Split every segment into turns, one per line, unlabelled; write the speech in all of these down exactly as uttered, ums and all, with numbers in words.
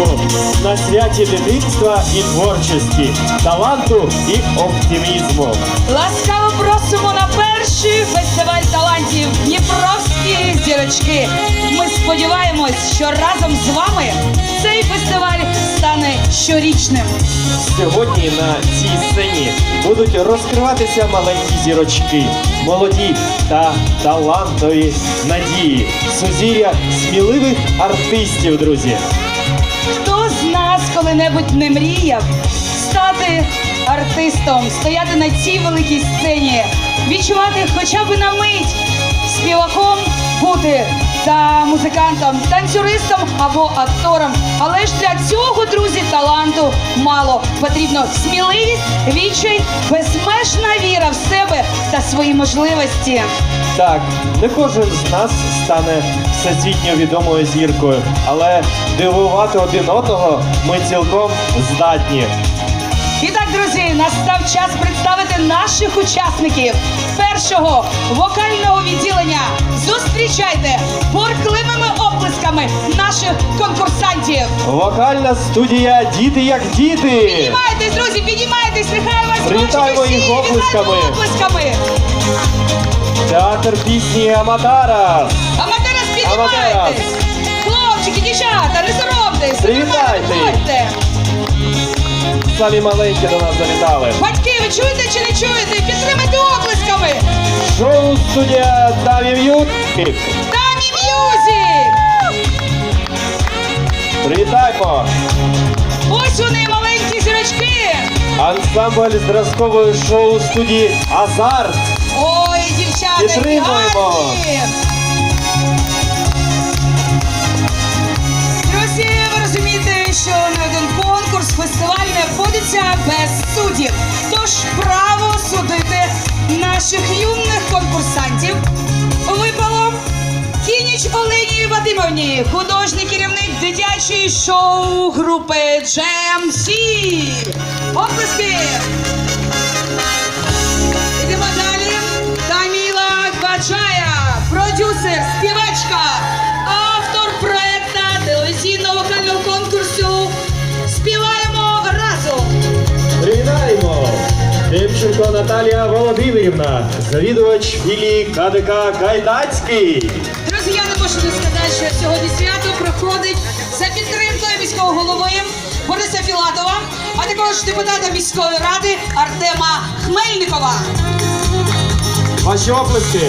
Україну на святі дитинства і творчості, таланту і оптимізму.
Ласкаво просимо на перший фестиваль талантів «Дніпровські зірочки». Ми сподіваємось, що разом з вами цей фестиваль стане щорічним.
Сьогодні на цій сцені будуть розкриватися маленькі зірочки, молоді та талантові надії, сузір'я сміливих артистів, друзі.
Хто з нас коли-небудь не мріяв стати артистом, стояти на цій великій сцені, відчувати хоча б на мить співаком бути та музикантом, танцюристом або актором. Але ж для цього, друзі, таланту мало. Потрібно сміливість, відчай, безмежна віра в себе та свої можливості.
Так, не кожен з нас стане всесвітньо відомою зіркою, але дивувати один одного ми цілком здатні.
І так, друзі, настав час представити наших учасників першого вокального відділення. Зустрічайте буркливими оплесками наших конкурсантів.
Вокальна студія «Діти як діти».
Піднімайтесь, друзі, піднімайтесь, нехай вас
Привітаємо
бачать
їх
усі.
оплесками.
Вітаємо оплесками.
Театр пісні «Аматарас».
Аматерас,
Аматерас.
піднімайтесь. Хлопчики, дівчата, не соромтесь.
Привітайте.
Приходьте.
Самі маленькі до нас завітали.
Батьки, ви чуєте чи не чуєте? Підтримайте оплесками.
Шоу-студія «Дамі М'юзик».
Дамі М'юзик.
Привітаємо.
Ось вони, маленькі зірочки.
Ансамбль зразкової шоу-студії «Азарт».
Ой, дівчата,
Підтримуємо.
гарні. Друзі, ви розумієте, що не один конкурс, фестиваль не обходиться без суддів. Тож право судити наших юних конкурсантів випало Кініч Олені Вадимовні, художній керівник дитячої шоу-групи джем сі. Оплески! Йдемо далі. Таміла Гваджая, продюсер, співачка, автор проекта телевізійного вокального конкурсу «Співаємо разом».
Привітаємо! Демченко Наталія Володимирівна, завідувач філії ка де ка «Кайдацький».
Друзі, я не можу не сказати, що сьогодні свято проходить за підтримкою міського голови Бориса Філатова, а також депутата міської ради Артема Хмельникова.
Ваші оплески.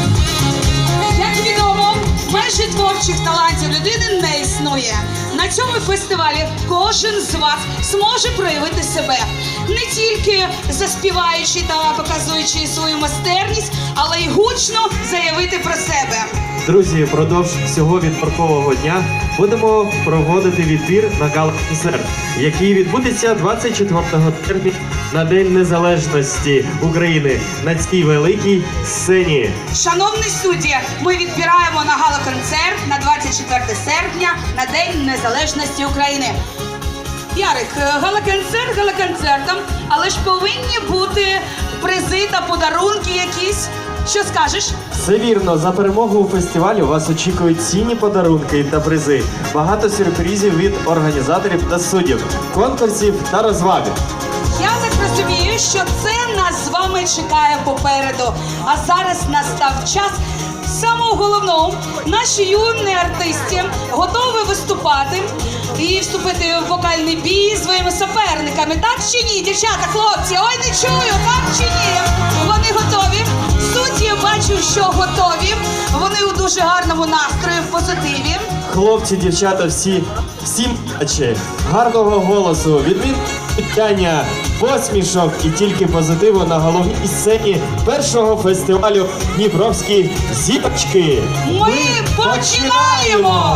Як відомо, межі творчих талантів людини не існує. На цьому фестивалі кожен з вас зможе проявити себе. Не тільки заспіваючи та показуючи свою майстерність, але й гучно заявити про себе.
Друзі, впродовж всього відборкового дня будемо проводити відбір на гала-концерт, який відбудеться двадцять четвертого червня на День Незалежності України на цій великій сцені.
Шановні судді, ми відбираємо на гала-концерт на двадцять четверте серпня на День Незалежності України. Ярик, гала-концерт гала-концертом, але ж повинні бути призи та подарунки якісь. Що скажеш?
Все вірно, за перемогу у фестивалі вас очікують цінні подарунки та призи, багато сюрпризів від організаторів та суддів, конкурсів та розваги.
Я так розумію, що це нас з вами чекає попереду. А зараз настав час самого головного. Наші юні артисти готові виступати і вступити в вокальний бій зі своїми суперниками. Так чи ні, дівчата, хлопці? Ой, не чую, так чи ні? Вони готові. Судді, я бачу, що готові. Вони у дуже гарному настрої, в позитиві.
Хлопці, дівчата, всі, всім бачать, гарного голосу, відміння, посмішок і тільки позитиву на головній сцені першого фестивалю «Дніпровські зірочки».
Ми починаємо!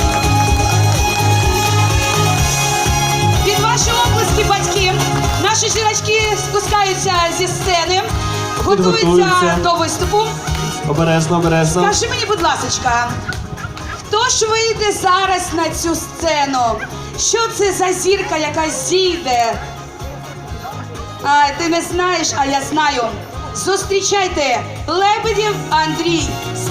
Під ваші оплески, батьки, наші жіночки спускаються зі сцени, готуються
Підготуються.
до виступу.
Обережно, обережно.
Скажи мені, будь ласочка, хто ж вийде зараз на цю сцену? Що це за зірка, яка зійде? А, ти не знаєш, а я знаю. Зустрічайте, Лебедєв Андрій.